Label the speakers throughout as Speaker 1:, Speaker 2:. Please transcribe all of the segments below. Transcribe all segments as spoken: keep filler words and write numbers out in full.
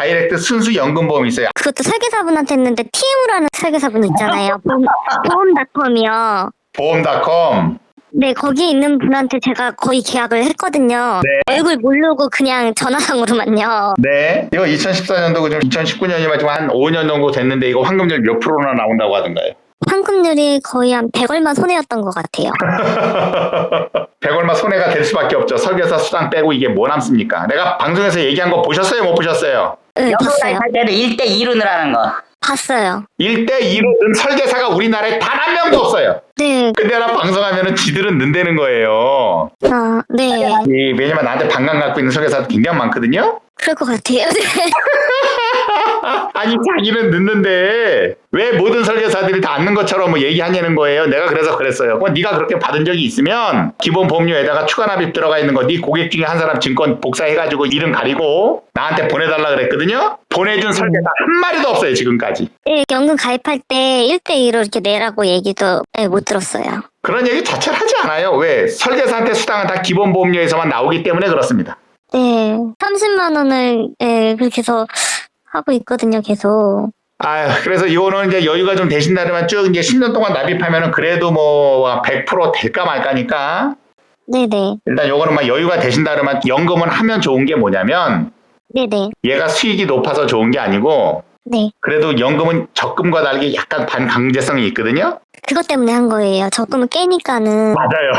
Speaker 1: 다이렉트 순수 연금보험이 있어요.
Speaker 2: 그것도 설계사분한테 했는데 티엠이라는 설계사분 있잖아요. 보험, 보험닷컴이요.
Speaker 1: 보험닷컴.
Speaker 2: 네, 거기 있는 분한테 제가 거의 계약을 했거든요.
Speaker 1: 네.
Speaker 2: 얼굴 모르고 그냥 전화상으로만요.
Speaker 1: 네. 이거 이천십사 년도고 지금 이천십구 년이면 지금 한 오 년 정도 됐는데 이거 환급률 몇 프로나 나온다고 하던가요?
Speaker 2: 환급률이 거의 한 백 얼마 손해였던 것 같아요.
Speaker 1: 백 얼마 손해가 될 수밖에 없죠. 설계사 수당 빼고 이게 뭐 남습니까? 내가 방송에서 얘기한 거 보셨어요? 못 보셨어요?
Speaker 2: 네, 봤어요.
Speaker 3: 연금할 때는 일 대 이로 늘하는 거.
Speaker 2: 봤어요.
Speaker 1: 일 대 이로 는 설계사가 우리나라에 단 한 명도 없어요.
Speaker 2: 네,
Speaker 1: 근데 나 방송하면은 지들은 는다는 거예요.
Speaker 2: 아, 네.
Speaker 1: 이, 왜냐면 나한테 반감 갖고 있는 설계사도 굉장히 많거든요.
Speaker 2: 그럴 것 같아요. 네.
Speaker 1: 아니 자기는 늦는데 왜 모든 설계사들이 다 앉는 것처럼 뭐 얘기하냐는 거예요. 내가 그래서 그랬어요. 그럼 네가 그렇게 받은 적이 있으면 기본 보험료에다가 추가 납입 들어가 있는 거 네 고객 중에 한 사람 증권 복사해가지고 이름 가리고 나한테 보내달라 그랬거든요. 보내준 설계사 한 마리도 없어요 지금까지.
Speaker 2: 네, 연금 가입할 때 일 대 이로 이렇게 내라고 얘기도 네, 못 들었어요.
Speaker 1: 그런 얘기 자체를 하지 않아요. 왜? 설계사한테 수당은 다 기본 보험료에서만 나오기 때문에 그렇습니다.
Speaker 2: 네, 삼십만 원을 네, 그렇게 해서 하고 있거든요, 계속.
Speaker 1: 아유, 그래서 이거는 이제 여유가 좀 되신다면 쭉 이제 십 년 동안 납입하면은 그래도 뭐 백 퍼센트 될까 말까니까.
Speaker 2: 네네.
Speaker 1: 일단 요거는 막 여유가 되신다면 연금은 하면 좋은 게 뭐냐면
Speaker 2: 네네.
Speaker 1: 얘가 수익이 높아서 좋은 게 아니고
Speaker 2: 네.
Speaker 1: 그래도 연금은 적금과 다르게 약간 반강제성이 있거든요.
Speaker 2: 그것 때문에 한 거예요. 적금을 깨니까는.
Speaker 1: 맞아요.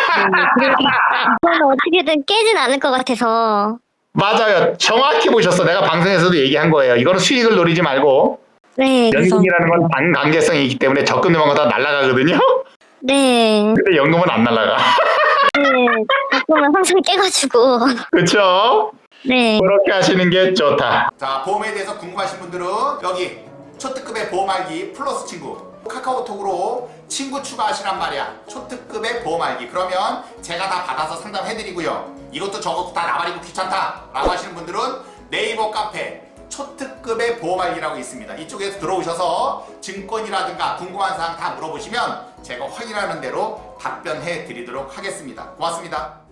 Speaker 2: 그건 어떻게든 깨진 않을 것 같아서.
Speaker 1: 맞아요. 정확히 보셨어. 내가 방송에서도 얘기한 거예요. 이거는 수익을 노리지 말고
Speaker 2: 네. 그래서.
Speaker 1: 연금이라는 건 반강제성이 있기 때문에 적금 넣은 거 다 날아가거든요.
Speaker 2: 네.
Speaker 1: 근데 연금은 안 날아가.
Speaker 2: 네. 적금을 항상 깨가지고.
Speaker 1: 그렇죠?
Speaker 2: 네.
Speaker 1: 그렇게 하시는 게 좋다. 자, 보험에 대해서 궁금하신 분들은 여기 초특급의 보험 알기 플러스 친구 카카오톡으로 친구 추가하시란 말이야. 초특급의 보험 알기. 그러면 제가 다 받아서 상담해드리고요. 이것도 저것도 다 나발이고 귀찮다 라고 하시는 분들은 네이버 카페 초특급의 보험 알기라고 있습니다. 이쪽에서 들어오셔서 증권이라든가 궁금한 사항 다 물어보시면 제가 확인하는 대로 답변해 드리도록 하겠습니다. 고맙습니다.